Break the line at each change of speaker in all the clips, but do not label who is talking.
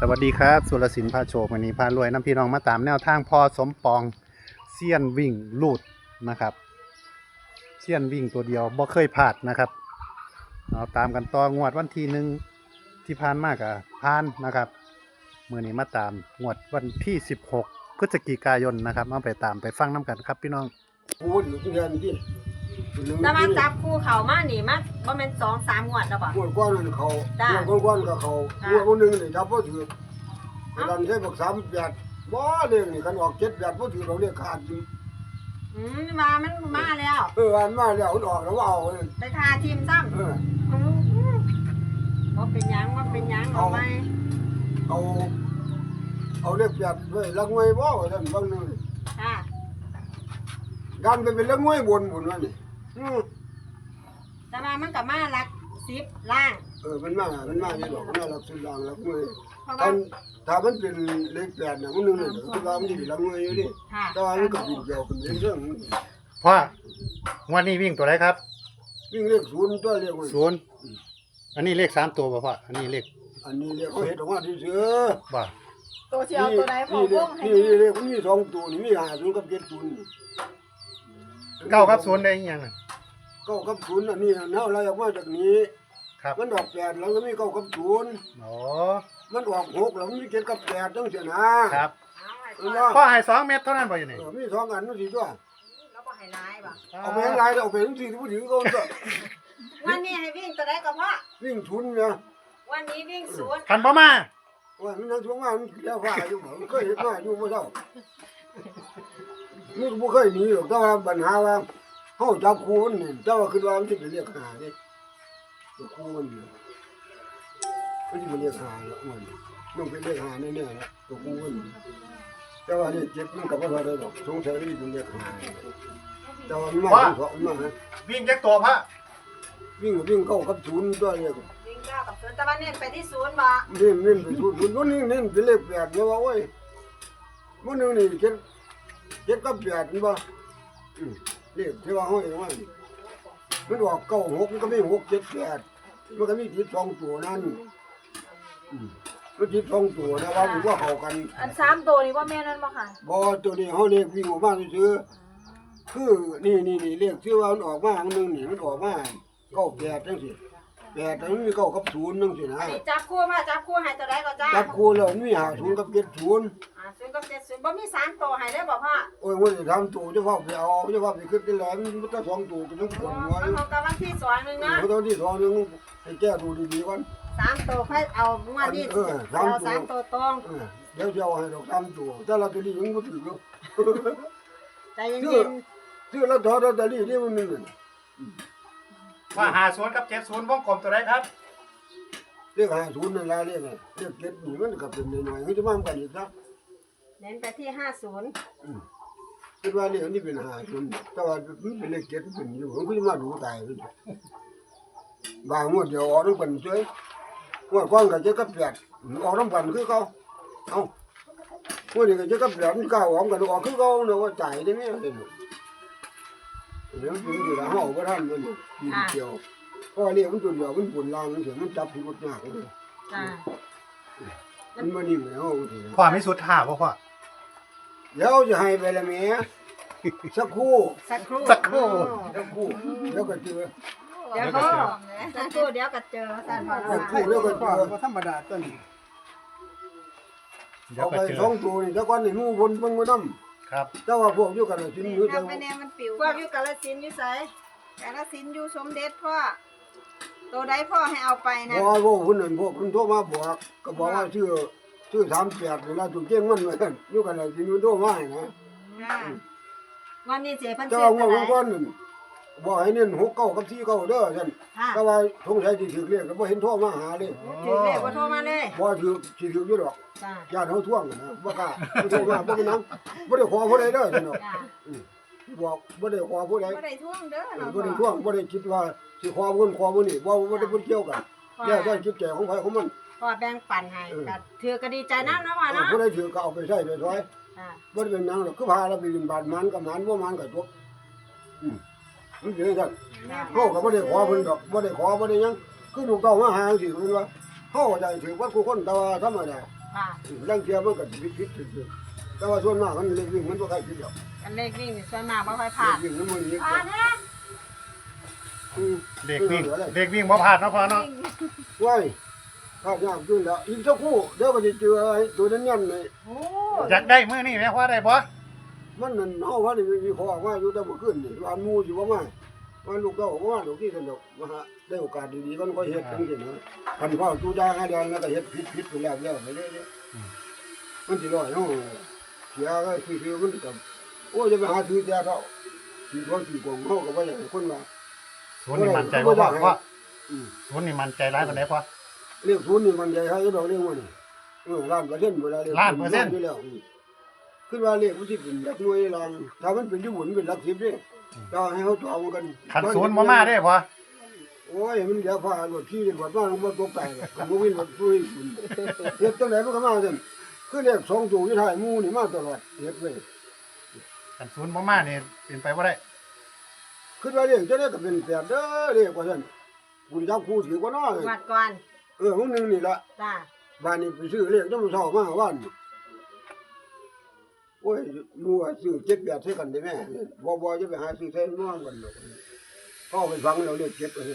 สวัสดีครับสุรศิลป์พาโชควันนี้พารวยน้ำพี่น้องมาตามแนวทางพอสมปองเซียนวิ่งลูดนะครับเซียนวิ่งตัวเดียวบ่เคยพลาดนะครับเอาตามกันต่องวดวันที่หนึ่งที่ผ่านมากอะผ่านนะครับมือนี้มาตามงวดวันที่16พฤศจิกายนนะครับเอาไปตามไปฟังน้ำกันครับพี่น้อง
พูดอยู่ที่เดือนที่
แต่มาจับคู่เขามาหนีมาบ่แม่น2-3งวดแล้วบ่
งวดก้อนนั่นเขา
จ้ะ
งวดก้อนกับเขา
จ้ะ
งวดคนหนึ่งนี่จับพ่อถือกันใช้บัก38บ่เรื่องนี่กันออก78พ่อถือเราเรียกขาดอยู่
มามันมาแล้ว
อันมาแล้วมันออกแล้วเอาเลย
ไปทาทีมซ้ำบ่เป็นหยังบ่เป็นหยังเอาไหม
เอาเรียก8ไว้ลักงวยบ่ว่าซั่นบางนึง
ค่ะ
ดันไปเป็นลักงวยบนพุ่นว่านี่
แต่ว่ามันก็มาหลัก10ล่าง
มันมาอยู่ดอกมันมาลักสุดลางลักงวย
เพราะ
ตอ
ว่าน
ถ้ามันเป็นเลข8น่ะมันนึงนี่คือว่ามันสิเป็นลักงวยอยู่ดิ
ค่ะ
แต่ว่ามันก็บินเกี่ยวกันเรื่อง
พ่องวดนี้วิ่งตัวไหนครับ
วิ่งเลข0ตัวเรียกว่า
ศูนย์อันนี้เลข3ตัวป่ะพ่ออันนี้เลข
อันนี้เรียกเขาเห็ดออกมาที่เสือ
บ่
ตัวเชียวตัวใดพอวงให้
นี่เรียกมันมี2ตัวนี่มี50กับ70
เก้ากับศูนย์ได้ยังไง
9กับ0อันนี้เฮาไล่ออกมาจากนี้
ครับ
มันออก8แล้วก็มี9กับ0
อ๋อ
มันออก6แล้วมันมี7กับ8จังซี่นะครับ
พ่อให้2 เม็ดเท่านั้นบ่อยู่นี่
มี2อันมันสิตัว
แล้วบ่ให้ร้ายบ่
เอาไปหลายเอาไปจังซี่ผู้ถือก็ตัว
วันนี้ให้วิ่งตัวใดก็พอ
วิ่งทุนเนี่ย
วันนี้วิ่ง0
คันบ่มา
ว่ามันช่วงมามันแล้วฟ้าอยู่บ่เคยเห็นมาอยู่บ่เท่ามันบ่เคยหนีหรอกแต่ว่าปัญหาว่าเฮาจับคู่มันนี่แต่ว่าคิดว่ามันสิไปเรียกหาเด้ตัวคู่มันนี่มันสิไปเรียกหาแล้วมันไปเรียกหาแน่ๆนะตัวคู่มันแต่ว่านี่เจ็บมันก็บ่เท่าได้ดอกสงสัยมันสิไปเรียกหาแต่ว่ามันมาถึงสองมาฮะ
วิ่งจักตัวพ่อ
วิ่งเข้ากับศูนย์ตัวเรียก
วิ่ง9กับ0แต่ว่าเน้นไปที่0บ่
เน้นไปศูนย์ตัวนี้เน้นไปเลข8เนี่ยว่าโอ้ยมื้อนึงนี่เจ็ดกับ8นี่บ่เลขที่ว่าเฮาเองว่ามันออก96มันก็มี6 7 8มันก็มีติด2ตัวนั่นมันติด2ตัวนะว่ามันว่าเข้ากัน
อัน3ตัวนี้ว่าแม่นั่นบ่ค่ะ
บ่ตัวนี้เฮาเลขวิ่งออกมาซื่อคือนี่เลขที่ว่ามันออกมาอันนึงนี่มันออกมา98จังซี่8แล้วมันมี9กับ0จังซี่นะ
อันนี้จับคู่มาจับคู่ให้ตัวใดก็จ้า
จับคู่แล้วมันมี50กับ70
0กับ70บ่มี3ตัวให้ได้บ่พ่อ
โอ้ยมันจะทำตัวจะว่าไปเอาจะว่าไปขึ้นไปแหลมมันก็2ตัวก็ต้องปวดหัว
มันของกับวันที่2นึงนะ
ตอนที่2นึงให้แก้ดูดีๆก่อน
3ตัวค่อยเอางวดนี้เอา3ตัวตรง
เดี๋ยวจะเอาให้ดอก3ตัวแต่ละตัวนี้ยังบ่ถึงอยู่
ใจเย็น
ซื้อแล้วถอดลอตเตอรี่นี่มันนึง
ว่าหาศูนย์กับ70วงกลมตัวไหนครับ
เรียก50นั่นล่ะเรียก7นี่มันก็เป็นน้อยๆมันจะมากันอีกนะ
ๆเน้นไปที่50
คิดว่าเรียกนี่เป็น50แต่ว่ามันเป็นเลข7เป็นอยู่มันก็จะมาดูตายไปบางงวดเดียวออกนำกันเฉยงวดก่อนก็7กับ8ออกนำกันคือเขาเอ้าวันนี้ก็จะกับแบบมันก้าวออกกันออกคือเขาเนาะว่าจ่ายได้ไหมเดี๋ยวมันอยู่แล้วเฮาบ่ทันมันกินเกี่ยวเพราะเรียกมันตัวเดียวมันปวดลางมันเสียมันจับผิดหมดยากเลย
จ้า
มันบ่นิ่งแล้ว
พ่อมีสุดท่าบ่พ่อ
เดี๋ยวจะให้ไปละแม่สักครู่
สักครู่
สักครู่
แล้วก็เจอ
เดี๋ยวก็สักครู่เดี๋ยวก็เจอท่านพ่อ
สักครู่แล้วก็เจอ
บ่ธรรมดาตัวนี้
เดี๋ยว
เอา
ก็
ไป
เจอ
2ตัวนี่แต่ก่อนนี่หมู่บนเบิ่งบ่นำ
ครับ
แต่ว่าพวกอยู่กันสินอยู่แต่
ทำไปแนวมันปิว
พวกอยู่กาฬสินธุ์อยู่ไส
กาลสินธุ์อยู่สมเด็จพ่อตัวใดพ่อให้เอาไปนะ
พอพวกคนนั้นพวกคนโทรมาบอกก็บอกว่าชื่อ38เวลาถูกเก่งมันว่าอยู่กันสินอยู่โทรมาให้นะ
ค่ะ
วันนี้เสียพัน
เจ้า
เสีย
ว่า
เท่าไห
บาง
ร่
คนบอกให้เน้น6 9กับ4 9เด้อซั่น
ค่ะ
แต่ว่าสงสัยสิถึกเรียกก็บ่เห็นโทรมาหาเลย
ถือเลขบ่โทรมาเลย
บ่ถึกสิถึกอยู่ดอก
จ้า
ญาติเฮาท่วงนะบ่กล้าบ่โทรมาบ่เป็นหยังบ่ได้ขอผู้ใดเด้อซั่นเนาะ
จ้า
บอกบ่ได้ขอผู้ใด
บ่ได้ท่วงเด้อเนาะ
บ่ได้ท่วงบ่ได้คิดว่าสิขอผู้คนขอผู้นี้บ่ได้พูดเกี่ยวกันแล้วแต่คิดแก่ของไผของมัน
พ่อแบ่งปันให้ก็ถือก็ดีใจนะเนาะว่าเนาะ
ผู้ใดถือก็เอาไปใช้ได้ถอย
จ้า
บ่ได้เป็นหยังหรอกคือพาเราไปบินบาทมันกับมันบ่มันก็จบมันเป็นจัง เฮาก็บ่ได้ขอเพิ่นดอกบ่ได้ขอบ่ได้หยังคือลูกเต้ามาหาจังซี่เพิ่นว่าเฮาก็ได้ถือว่าผู้คนแต่ว่าธรรมดา
ค่ะ
ร่างเทียมันก็พิษแต่ว่าส่วนมากมันเล็กวิ่งมันก็ใครคิดหรอก
อันเลขวิ่งนี่ส่วนมากบ่ค่อยพลาด
วิ่งมันมันนี้
เด็กวิ่งเด็กวิ่งบ่พลาดเนาะพ่อเนาะ
ว้ายภาพยากขึ้นแล้วอีกสักครู่เดี๋ยวก็จะเจอตัวนั้นยันเลย
โอ้
อยากได้มื้อนี้แม่พ่อได้บ่
มันนั่นเฮาว่านี่มีขอว่าอยู่แต่บ่ขึ้นนี่อันมูอยู่ว่ามาว่าลูกเต้าว่าลูกที่สนุกมาหาได้โอกาสดีๆมันก็เฮ็ดจังซี่นะคันพ่อจูดาหาเดือนแล้วก็เฮ็ดผิดไปแล้วไปเรื่อยๆมันสิร้อยเนาะเสียก็คือมันก็โอ้จะไปหาซื้อแต่เท่าสิบ่สิกองเฮาก็บ่อยากให้คนว่า
ศูนย์นี่มั่นใจบ่พ่อศูนย์นี่มั่นใจหลายปานใดพ่อ
เรียกศูนย์นี่มันใหญ่ให้ดอกเรียกว่านี่ล้านเปอร์เซ็นต์เวลาเรียกอยู่แล้วขึ้นว่าเรียกมันสิเป็นหลักหน่วยลางถ้ามันเป็นอยู่บนเป็นหลัก10เด้ถ้าให้เฮาจองกัน
คันศูนย์บ่มาเด้พ่อ
โอ้ยมันเดี๋ยวพารถขี่รถบ้านมันตกใจเลยมันวิ่งรถปุ้ยเฮ็ดจังไดมันก็มาซั่นคือเลข2ตัวอยู่ท้ายหมู่นี่มาตลอดเฮ็ดไว้
คันศูนย์บ่มานี่เป็นไปบ่ได้
คิดว่าเลขจังได๋ก็เป็น8เด้อเลขว่าซั่นกูจับคู่ถือบ่น้อ
วัดก่อน
มึงนึงนี่ล่ะ
จ้า
บ้านนี้ไปซื้อเลขจังเช้ามาว่านโอ้ยมัวซื้อ7 8ใส่กันได้แม่บ่จะไปหาซื้อใส่ม่วงกันดอกเข้าไปฟังแล้วเลข7ว่าซั่น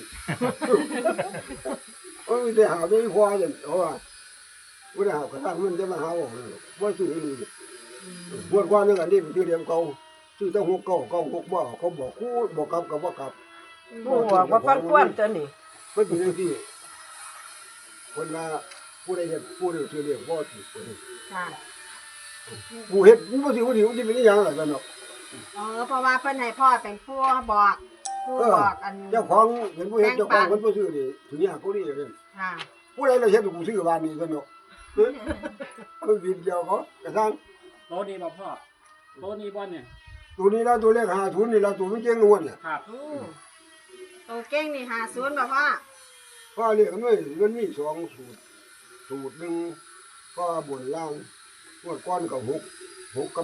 โอ้ยได้หาได้พอซั่นเพราะว่าบ่ได้หากระทั่งมันจะมาหาเอาบ่ซื้อนี่บวชก่อนนึงอันนี้เป็นชื่อเรียมเก่าซื้อตั้ง6 9 9 6บ่เขาบอกคู่บ่กลับก็บ่กลับ
ผู้บอกว่าฟังความตัวนี้
มันเป็นจังซี่คนว่าผู้ใดเฮ็ดผู้ใดซื้อเรียกบ่ถูก
ค่ะ
ผู้เฮ็ดผู้บ่สิผู้ดีมันสิเป็นอีหยังล่ะซั่นเนาะ
เพราะว่าเพิ่นให้พ่อเป็นผู้บอกผู้บอกอัน
เจ้าของเป็นผู้เฮ็ดเจ้าของเพิ่นบ่ซื้อดิถึงยากกูนี่เด้
ค่ะ
ผู้ใดล่ะเฮ็ดกูซื้อบ้านนี้ซั่นเนาะมันบินเดียวเขากระทั่ง
โตนี้บ่พ่อโตนี้บ่เนี่ย
ตัวนี้ละตัวเลข50นี่ละตัวมันเก่งงวดเนี่ย
ครับ
ตัวเก่งนี่50บ่พ่อ
เพราะเลขมันมี2สูตรหนึงก็บนล่างงวดก่อนก็6กับ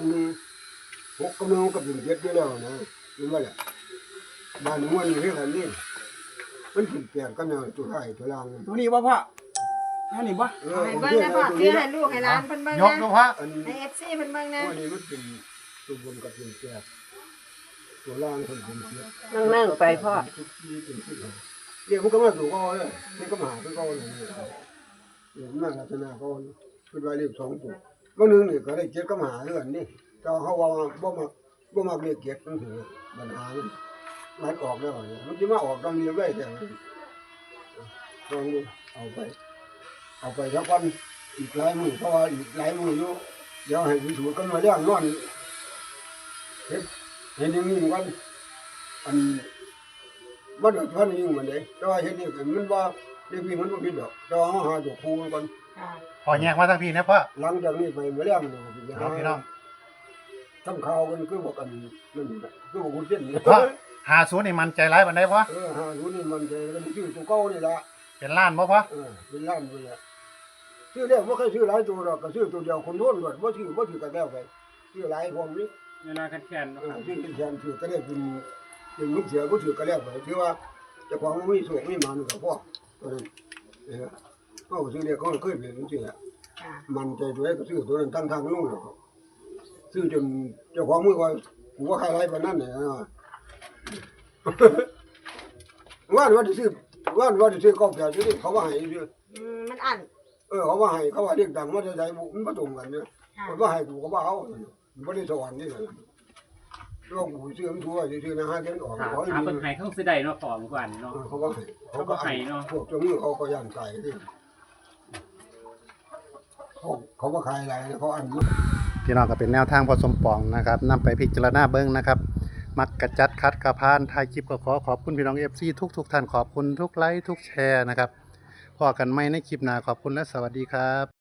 1 6กับ1ก็เป็น7อยู่แล้วนะเห็นบ่ล่ะบ้านงวดนี้เฮ็ดอันนี้มันเป็น8กันแล้วตัวท้ายตัวล่าง
ตัวนี้บ่พ่ออันนี้บ่
ให้เบิ่งนะพ่อซื้อให้ลูกให้หลานเพิ่นเบิ่ง
ยกดู
นะ
พ่อ
อัน
ให้ FC เพิ่นเบิ่งนะ
ว่านี่มันเป็นตัวบนกับเป็นตัวล่างคนเป็นเสีย
นั่งๆไปพ่อ
ทุกทีเป็นที่เรียกมันก็มาถูกก็เลยมันก็มาหาก็เลยเรียกมาลักษณะก็คือว่าเรียก2ตัวก็นึงนี่ก็ได้เจ็ดก็มาหาเรื่องนี่แต่เขาว่าบ่มักเรียกเจ็ดนั่นคือปัญหามันออกแล้วมันสิมาออกตรงนี้ได้แต่ตรงนี้เอาไปสักวันอีกหลายมื้อเพราะว่าอีกหลายมื้ออยู่เดี๋ยวให้วิสูจน์กันมาเรื่องนอนเห็นอย่างนี้มันอันมันเดือดร้อนยิ่งมันเลยแต่ว่าเห็นนี่มันว่าเรื่องนี้มันบ่ผิดดอกแต่ว่าหาตัวครูมันก่อน
ค่ะ
พ่อแยกมาทางพี่นะพ่อ
หลังจากนี้ไปเมื่อเรื่องนี่สิ
ครับพี่น้อง
ทำข่าวกันคือบอกกันนั่นน่ะคือบอกคุณเส้นนี่
พ่อ50นี่มั่นใจหลายปานใดพ่อ
หารู้นี่มันจะมันชื่อตัวเก่านี่ล่ะ
เป็นล้านบ่พ่อ
เป็นล้านไปละชื่อเรียกบ่เคยชื่อหลายตัวดอกก็ชื่อตัวเดียวคนโน้นหมดบ่ชื่อกันแล้วไปชื่อหลายพวกนี้
เวลาคันแค้นเนาะครับ
ชื่อเป็นแทนชื่อก็ได้เป็นลูกเสือก็ชื่อกันแล้วไปถือว่าเจ้าของมันมีโชคมีมันก็พอตัวนั้นเขาชื่อเรียกเขาเคยเป็นจังซี่ล่ะ
ค่ะ
มันใจตัวเองก็ซื้อตัวนั้นทั้งนู่นหรอกซื้อจนเจ้าของมือว่ากูว่าใครไรปานนั้นเนี่ยว่าที่ซื้อข้าวแก่ซื้อเขาว่าให้ซื้อ
มันอัน
เขาว่าให้เขาว่าเรียกดังว่าจะใจมันมาตรงกันเนี่ยมันว่าให้กูก็ว่าเขามันไม่ได้สวรรค์นี่เลยร่วงกูซื้อมันทั่วซื้อนะฮะเดินออก
ถาม
เขา
ถามเพิ่นให้เขาสิได้เนาะพ่อเมื่อวานเนาะ
เขาว่าให้เขาก็ให้เนาะพวกเจ้ามือเขาก็ย่านใจที่เขาก็ขายอะไรเขาอัน
พี่น้องก็เป็นแนวทางพอสมปองนะครับนำไปพิจารณาเบิ่งนะครับ มักกระจัดคัดกระพานถ่ายคลิปก็ขอบคุณพี่น้อง FC ทุกท่านขอบคุณทุกไลค์ทุกแชร์นะครับพอกันใหม่ในคลิปหน้าขอบคุณและสวัสดีครับ